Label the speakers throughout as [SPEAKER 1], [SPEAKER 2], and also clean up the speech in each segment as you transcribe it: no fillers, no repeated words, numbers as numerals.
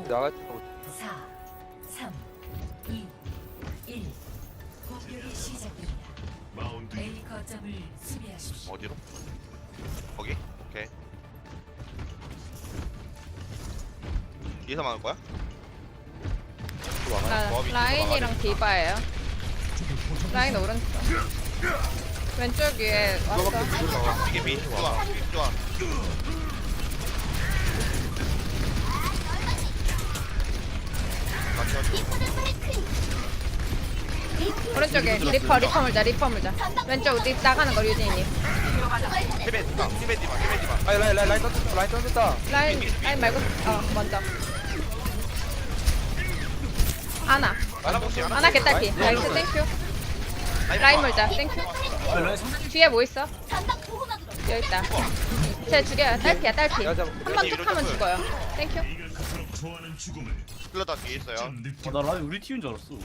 [SPEAKER 1] 나갈 때 하고
[SPEAKER 2] 4, 3, 2, 1. 공격이 시작됩니다. A 거점을 수비하십시오.
[SPEAKER 3] 어디로? 거기? 오케이. 뒤에서 막을 거야?
[SPEAKER 4] 라인이랑 디바예요. 라인 오른쪽. 왼쪽 위에 왔어.
[SPEAKER 3] 이게 메인 좋아. 좋아.
[SPEAKER 4] 오른쪽에 리퍼 물자. 왼쪽 립 나가는 거 유진이님.
[SPEAKER 3] 히베디마.
[SPEAKER 1] 라인 던졌다.
[SPEAKER 4] 라인 말고 먼저. 아나 개딸피. 나이스 땡큐. 라인 물자. 땡큐. 뒤에 뭐 있어? 여기 있다. 쟤 죽여요. 딸피야. 한 번 툭 하면 죽어요. 땡큐.
[SPEAKER 3] 흘러다 뒤에 있어요.
[SPEAKER 5] 나 라인 우리 팀인 줄 알았어.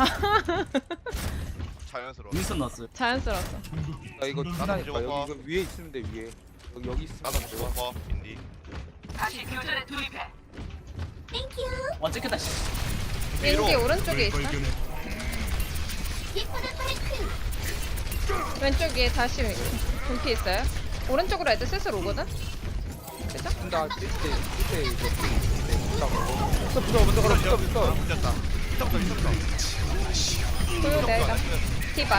[SPEAKER 3] 자연스러워.
[SPEAKER 5] 윈선 났어요.
[SPEAKER 4] 자연스러웠어.
[SPEAKER 1] 나 이거
[SPEAKER 3] 나도
[SPEAKER 1] 하나니까
[SPEAKER 3] 저거.
[SPEAKER 1] 여기 이거 위에 있으면 돼 위에. 여기 있으면
[SPEAKER 3] 나도
[SPEAKER 1] 돼.
[SPEAKER 3] 죽었어. 인디.
[SPEAKER 5] 와 찍혔다. 씨.
[SPEAKER 4] 왠지 오른쪽에 있어. 왼쪽 위에 다시 분피 있어요. 오른쪽으로 애들 슬슬 오거든? 그죠?
[SPEAKER 1] 나 밑에 이거 붙어 먼저 걸어 붙어.
[SPEAKER 3] 붙였다. 붙었어.
[SPEAKER 4] 보여 내가. 디바.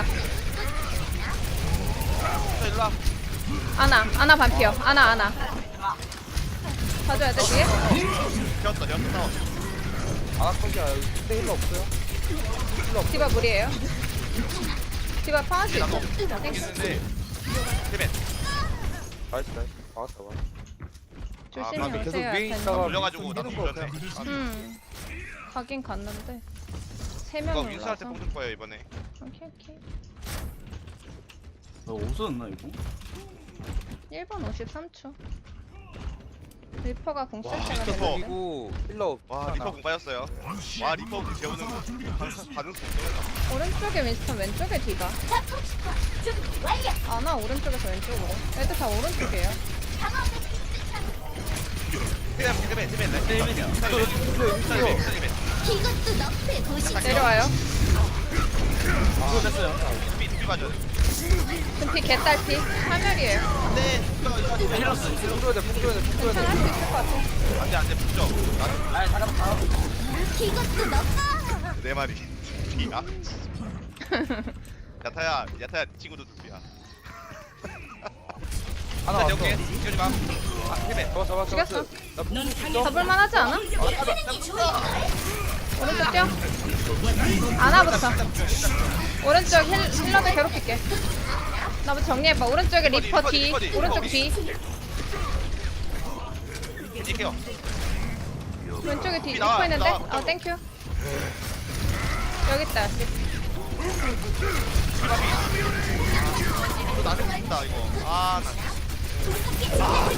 [SPEAKER 3] 일로 와.
[SPEAKER 4] 아나 반피어. 아나. 봐줘야 돼 뒤에?
[SPEAKER 3] 되었어.
[SPEAKER 1] 아까지 근데 힐러 없어요?
[SPEAKER 4] 디바 물이에요. 디바 파란색 있고.
[SPEAKER 3] 나도
[SPEAKER 4] 땡큐.
[SPEAKER 3] 있는데. 히베.
[SPEAKER 1] 나이스. 막았다.
[SPEAKER 4] 조심히
[SPEAKER 1] 계속
[SPEAKER 4] 오세요.
[SPEAKER 1] 위에
[SPEAKER 4] 약간.
[SPEAKER 1] 있다가
[SPEAKER 3] 올려가지고 나도
[SPEAKER 1] 거
[SPEAKER 3] 물렸네.
[SPEAKER 4] 가긴 갔는데 세
[SPEAKER 3] 이거
[SPEAKER 4] 명이
[SPEAKER 3] 윈스한테
[SPEAKER 4] 올라서.
[SPEAKER 3] 뽕줄 거예요 이번에.
[SPEAKER 4] 오케이.
[SPEAKER 5] 나 없어졌나 이거?
[SPEAKER 4] 1번 53초. 리퍼가 공 쓸 때가
[SPEAKER 3] 미쳤어.
[SPEAKER 4] 됐는데.
[SPEAKER 1] 그리고 힐러
[SPEAKER 3] 와 리퍼 공 빠졌어요. 와 리퍼 공 재우는 거. 반응 속도가.
[SPEAKER 4] 오른쪽에 윈스턴 왼쪽에 디바. 아나 오른쪽에서 왼쪽으로. 애들 다 오른쪽이에요.
[SPEAKER 3] 히베.
[SPEAKER 4] 내려와요.
[SPEAKER 5] 이거 됐어요.
[SPEAKER 3] 피 맞아.
[SPEAKER 4] 금피 개딸피. 하멸이에요.
[SPEAKER 5] 힐러스.
[SPEAKER 1] 풍조야 돼.
[SPEAKER 4] 괜찮아 할수 있을 것 같아.
[SPEAKER 3] 안돼 붙죠.
[SPEAKER 5] 아이 잠깐만.
[SPEAKER 3] 내 말이. 비야. 야타야 친구도 비야.
[SPEAKER 1] 하나 왔어.
[SPEAKER 3] 뛰지 마. 히베.
[SPEAKER 1] 잡아.
[SPEAKER 4] 죽였어.
[SPEAKER 1] 나
[SPEAKER 4] 잡을만 하지 않아? 오른쪽 뛰어. 아나부터. 오른쪽 힐러도 괴롭힐게. 나부터 정리해봐. 오른쪽에 리퍼 뒤. 오른쪽 뒤.
[SPEAKER 3] 이게요.
[SPEAKER 4] 왼쪽에 뒤
[SPEAKER 3] 나와,
[SPEAKER 4] 리퍼 있는데?
[SPEAKER 3] 나와,
[SPEAKER 4] 땡큐. 여기 있다.
[SPEAKER 3] 또 나한테 붙는다 이거. 아 나.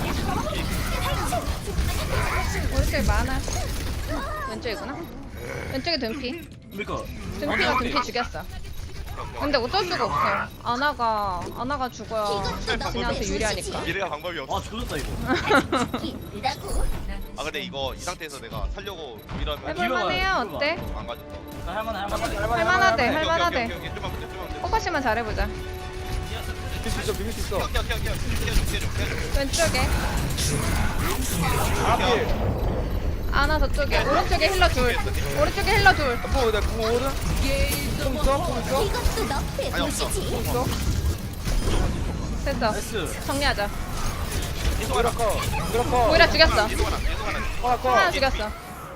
[SPEAKER 4] 오른쪽에 많아. 왼쪽이구나. 왼쪽에 둔피.
[SPEAKER 5] 그러니까.
[SPEAKER 4] 둔피가 둔피 죽였어. 근데 어쩔 수가 없어. 아나가 죽어야 진이한테 유리하니까.
[SPEAKER 3] 미래가 방법이 없어.
[SPEAKER 5] 아 조졌다 이거.
[SPEAKER 3] 아 근데 이거 이 상태에서 내가 살려고 이러면
[SPEAKER 4] 해볼만해요. 어때?
[SPEAKER 3] 안 가졌어.
[SPEAKER 5] 할만해.
[SPEAKER 4] 할만하대.
[SPEAKER 3] 오케이, 좀만 붙여.
[SPEAKER 4] 포커싱만 잘해보자.
[SPEAKER 1] 비빌 수 있어.
[SPEAKER 3] 끼워줘.
[SPEAKER 4] 왼쪽에
[SPEAKER 1] 앞에.
[SPEAKER 4] 아나 저쪽에. 오른쪽에 힐러 둘. 오른쪽에 힐러 둘.
[SPEAKER 1] 내가 오른. 좀 있어?
[SPEAKER 3] 아니 없어.
[SPEAKER 4] 됐어.
[SPEAKER 5] 나이스.
[SPEAKER 4] 정리하자.
[SPEAKER 1] 그렇고.
[SPEAKER 4] 오히려 죽였어.
[SPEAKER 3] 이동하나.
[SPEAKER 4] 하나 죽였어.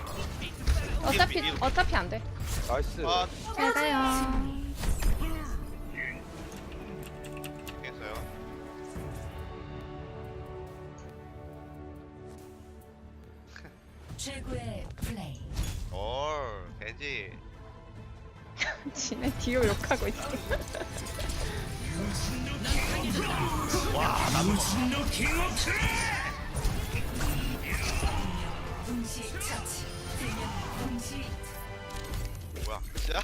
[SPEAKER 4] 어차피 안 돼.
[SPEAKER 1] 나이스.
[SPEAKER 3] 아
[SPEAKER 4] 잘 가요.
[SPEAKER 3] 됐어요.
[SPEAKER 2] 최고의 플레이.
[SPEAKER 3] 돼지.
[SPEAKER 4] 지네 디오 욕하고 있어.
[SPEAKER 2] 동시 처치. 동시
[SPEAKER 3] 뭐야? 진짜?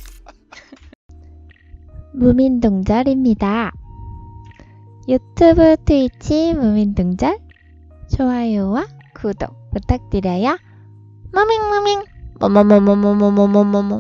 [SPEAKER 6] 무민동절입니다. 유튜브, 트위치 무민동절 좋아요와 구독 부탁드려요. 마밍 마밍. 뭐뭐뭐뭐뭐뭐뭐뭐뭐.